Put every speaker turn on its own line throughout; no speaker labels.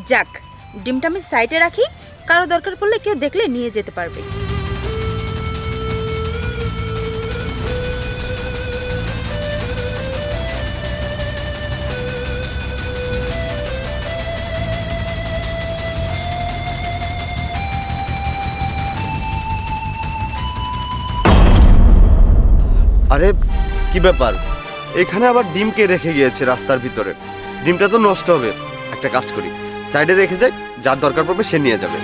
যাক, ডিমটা আমি সাইডে রাখি, কারো দরকার পড়লে কেউ দেখলে নিয়ে যেতে পারবে।
আরে কি ব্যাপার, এখানে আবার ডিম কে রেখে গিয়েছে রাস্তার ভিতরে? ডিমটা তো নষ্ট হবে। একটা কাজ করি, সাইডে রেখে যাই, যার দরকার পড়বে সে নিয়ে যাবে।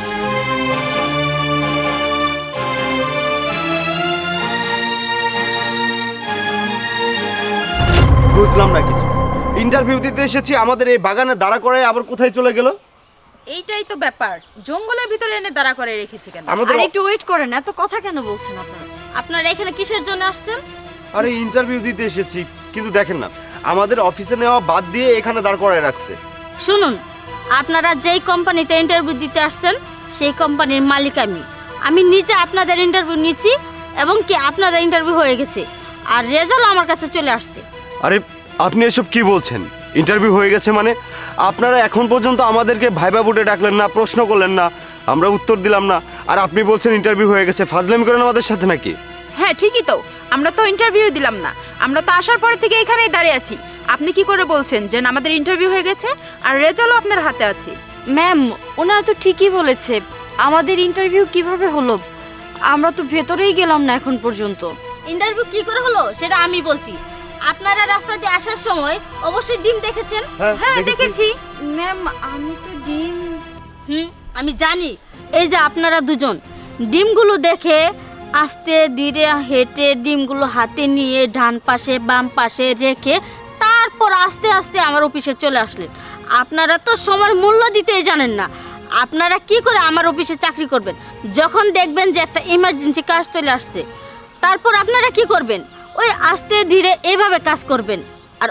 বুঝলাম না কিছু। ইন্টারভিউ দিতে এসেছি, আমাদের এই বাগানে দাঁড়া করায় আবার কোথায় চলে গেল?
এইটাই তো ব্যাপার, জঙ্গলের ভিতরে এনে দাঁড়া করে রেখেছি কেন?
আমাদের
আর একটু ওয়েট করেন, এত কথা কেন বলছেন আপনারা? আপনারা এখানে কিসের জন্য আসছেন?
আরে ইন্টারভিউ দিতে এসেছি, কিন্তু দেখেন না আমাদের অফিসে নেওয়া বাদ দিয়ে এখানে দাঁড় করায় রাখছে।
শুনুন, আপনারা যেই কোম্পানিতে ইন্টারভিউ দিতে আসছেন সেই কোম্পানির মালিক আমি নিজে আপনাদের ইন্টারভিউ নিচ্ছি এবং কি আপনাদের ইন্টারভিউ হয়ে গেছে আর রেজাল্ট আমার কাছে চলে আসছে।
আরে আপনি এসব কি বলছেন? ইন্টারভিউ হয়ে গেছে মানে? আপনারা এখন পর্যন্ত আমাদেরকে ভাইবা বুটে ডাকলেন না, প্রশ্ন করলেন না, আমরা উত্তর দিলাম না, আর আপনি বলছেন ইন্টারভিউ হয়ে গেছে? ফাজলামি করেন আমাদের সাথে নাকি?
হ্যাঁ ঠিকই তো, আমরা তো ইন্টারভিউ দিলাম না, আমরা তো আসার পর থেকে এখানেই দাঁড়িয়ে আছি। আপনি কি করে বলছেন যে আমাদের ইন্টারভিউ হয়ে গেছে আর রেজাল্টও আপনার হাতে আছে?
ম্যাম, ওনারা তো ঠিকই বলেছে, আমাদের ইন্টারভিউ কিভাবে হলো? আমরা তো ভেতরেই গেলাম না এখন পর্যন্ত। ইন্টারভিউ কি করে হলো সেটা আমি বলছি। আপনারা রাস্তা দিয়ে আসার সময় অবশ্যই ডিম দেখেছেন।
হ্যাঁ দেখেছি।
ম্যাম, আমি তো ডিম আমি জানি। এই যে আপনারা দুজন ডিমগুলো দেখে আস্তে ধীরে হেঁটে ডিমগুলো হাতে নিয়ে ডান পাশে বাম পাশে রেখে তারপর আস্তে আস্তে আমার অফিসে চলে আসলেন। আপনারা তো সময়ের মূল্য দিতেই জানেন না। আপনারা কি করে আমার অফিসে চাকরি করবেন? যখন দেখবেন যে একটা ইমার্জেন্সি কাজ চলে আসছে, তারপর আপনারা কি করবেন? ওই আস্তে ধীরে এইভাবে কাজ করবেন। আর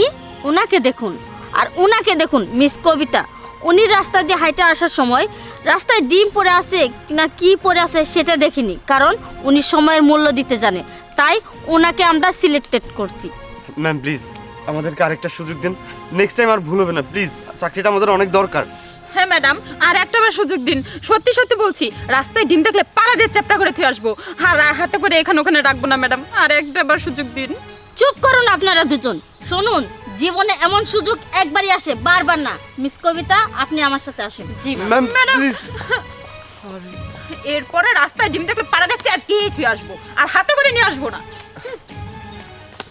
উনাকে দেখুন মিস কবিতা, উনি রাস্তা দিয়ে হাইটে আসার সময় রাস্তায় ডিম পড়ে আছে না কি পড়ে আছে সেটা দেখিনি, কারণ উনি সময়ের মূল্য দিতে জানে, তাই ওনাকে আমরা সিলেক্টেড করছি।
ম্যাম প্লিজ আমাদেরকে আরেকটা সুযোগ দিন, নেক্সট টাইম আর ভুল হবে না প্লিজ, চাকরিটা আমাদের অনেক দরকার।
হ্যাঁ ম্যাডাম, আর একটাবার সুযোগ দিন, সত্যি সত্যি বলছি, রাস্তায় ডিম দেখলে পাড়া দিয়ে চ্যাপটা করে থুয়ে আসবো, আর হাতে করে এখানে ওখানে রাখবো না ম্যাডাম, আর একটাবার সুযোগ দিন।
চুপ করুন আপনারা দুজন। শুনুন, জীবনে এমন সুযোগ একবারই আসে, বারবার না। মিস কবিতা, আপনি আমার সাথে আসেন। জি
ম্যাম প্লিজ।
এরপরে রাস্তায় ডিম দেখলে পাড়া দিয়ে চ্যাপটিয়ে থুয়ে আসবো, আর হাতে করে নিয়ে আসবো না।